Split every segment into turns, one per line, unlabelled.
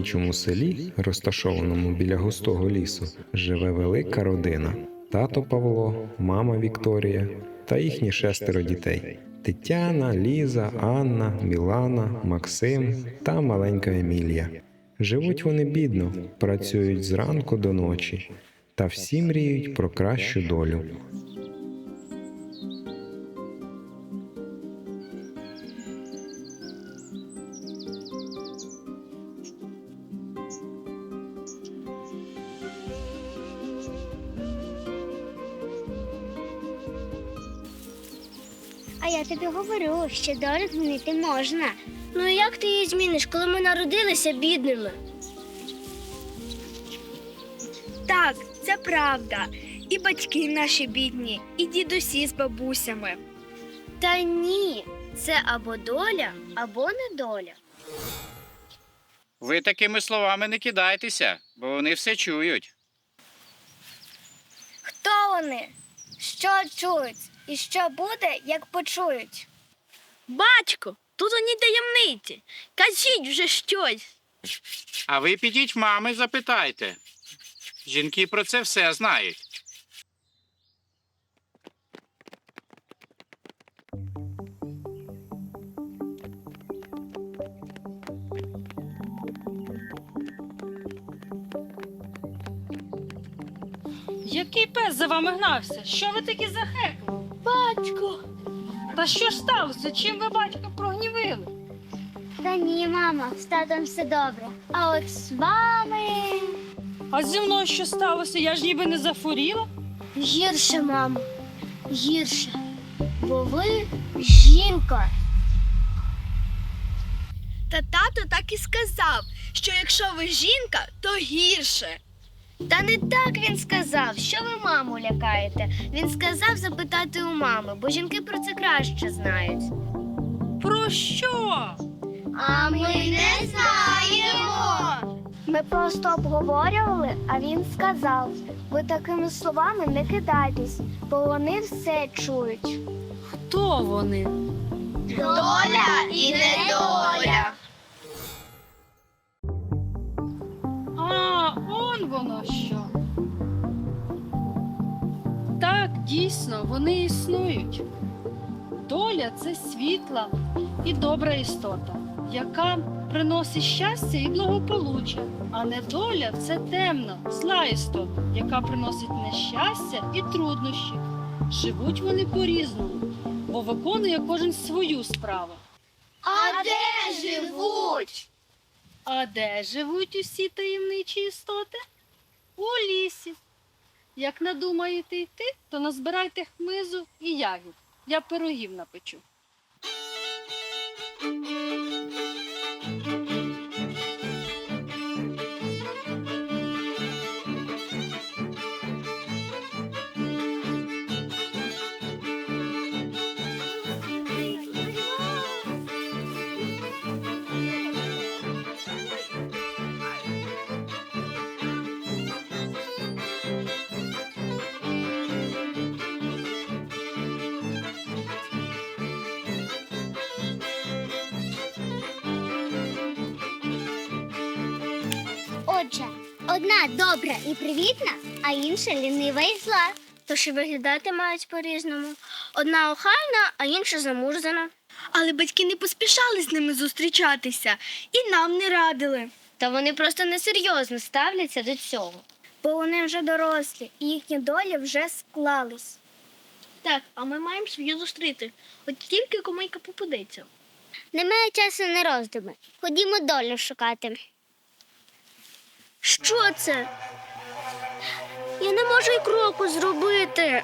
мальовничому селі, розташованому біля густого лісу, живе велика родина. Тато Павло, мама Вікторія та їхні 6 дітей. Тетяна, Ліза, Анна, Мілана, Максим та маленька Емілія. Живуть вони бідно, працюють зранку до ночі та всі мріють про кращу долю.
А я тобі говорю, що долю змінити можна. Ну і як ти її зміниш, коли ми народилися бідними?
Так, це правда. І батьки наші бідні, і дідусі з бабусями.
Та ні, це або доля, або недоля.
Ви такими словами не кидайтеся, бо вони все чують.
Хто вони? Що чують? І що буде, як почують?
Батько, тут ані таємниці. Кажіть вже щось.
А ви підіть в мами, запитайте. Жінки про це все знають.
Який пес за вами гнався? Що ви такі захекли?
Батько.
Та що ж сталося? Чим ви батька прогнівили?
Та ні, мама, з татом все добре. А от з вами
А зі мною що сталося? Я ж ніби не захворіла.
гірше, мамо, гірше. Бо ви жінка.
Та тато так і сказав, що якщо ви жінка, то гірше.
Та не так він сказав. Що ви маму лякаєте? Він сказав запитати у мами, бо жінки про це краще знають.
Про що?
А ми не знаємо. Ми просто обговорювали, а він сказав, ви такими словами не кидайтесь, бо вони все чують.
Хто вони?
Доля і недоля.
А, он воно що. Так, дійсно, вони існують. Доля – це світла і добра істота, яка приносить щастя і благополуччя. А недоля – це темна, зла істота, яка приносить нещастя і труднощі. Живуть вони по-різному, бо виконує кожен свою справу.
А де живуть?
А де живуть усі таємничі істоти? У лісі. Як надумаєте йти, то назбирайте хмизу і ягід. Я пирогів напечу.
Отже, одна добра і привітна, а інша лінива і зла. Тож і виглядати мають по-різному. Одна охайна, а інша замурзана.
Але батьки не поспішали з ними зустрічатися і нам не радили.
Та вони просто несерйозно ставляться до цього. Бо вони вже дорослі, і їхні долі вже склались.
Так, а ми маємо свою зустріти. От тільки комайка попадеться.
Немає часу на роздуми. Ходімо долю шукати. Що це? Я не можу й кроку зробити.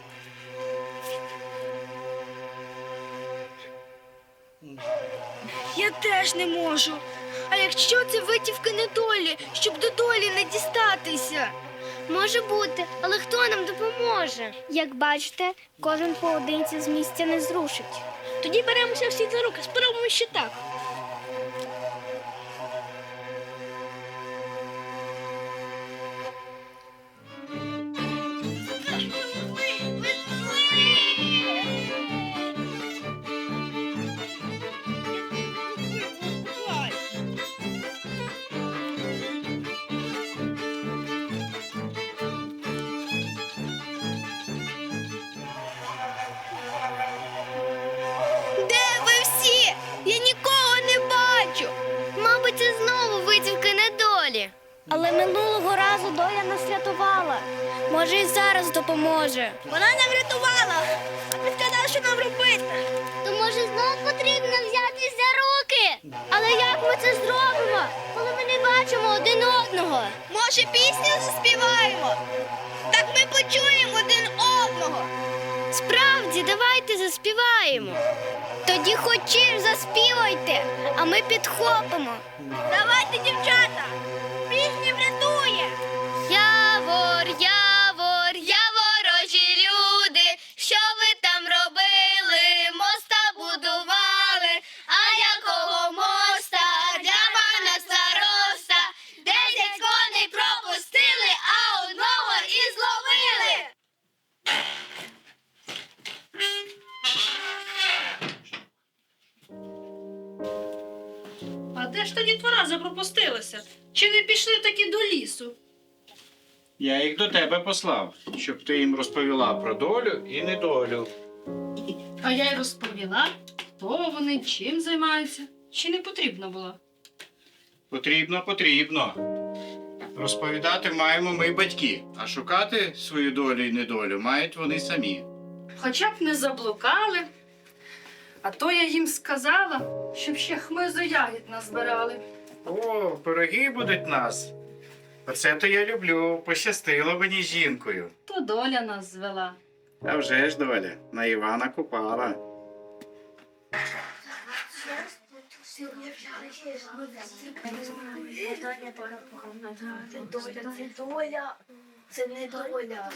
Я теж не можу. А якщо це витівки недолі, щоб до долі не дістатися?
Може бути, але хто нам допоможе? Як бачите, кожен поодинці з місця не зрушить.
Тоді беремося всі за руки, спробуємо ще так.
Але минулого разу доля нас рятувала. Може, і зараз допоможе.
Вона нам врятувала, а ти сказала, що нам робити.
То може знов потрібно взятись за руки? Але як ми це зробимо, коли ми не бачимо один одного?
Може, пісню заспіваємо? Так ми почуємо один одного.
Справді, давайте заспіваємо. Тоді хочеш заспівайте, а ми підхопимо.
Давайте, дівчата, пісня врятує.
Явор, явор, яворожі люди, що ви там робили, моста будували, а якого моста для пана староста, 10 коней пропустили, а одного і зловили.
А де ж тоді дітвора запропустилася? Чи не пішли таки до лісу?
Я їх до тебе послав, щоб ти їм розповіла про долю і недолю.
А я й розповіла, хто вони, чим займаються. Чи не потрібно було?
Потрібно. Розповідати маємо ми батьки, а шукати свою долю і недолю мають вони самі.
Хоча б не заблукали. А то я їм сказала, щоб ще хмизу ягід назбирали.
О, пироги будуть нас. Оце то я люблю, пощастило мені з жінкою.
То доля нас звела.
А вже ж доля, на Івана купала.
Це не доля.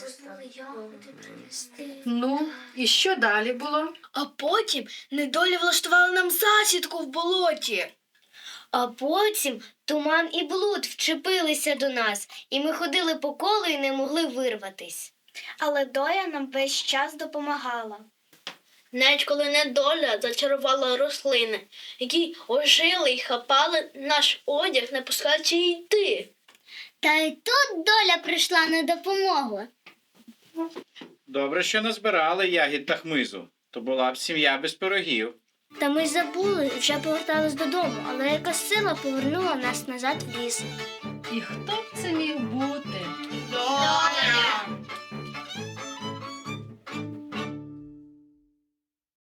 Ну, і що далі було?
А потім недолі влаштували нам засідку в болоті.
А потім туман і блуд вчепилися до нас, і ми ходили по колу і не могли вирватись. Але доля нам весь час допомагала.
Навіть коли недоля зачарувала рослини, які ожили і хапали наш одяг, не пускаючи йти.
Та й тут доля прийшла на допомогу.
Добре, що назбирали ягід та хмизу. То була б сім'я без пирогів.
Та ми забули і вже повертались додому, але якась сила повернула нас назад в ліс.
І хто б це міг бути?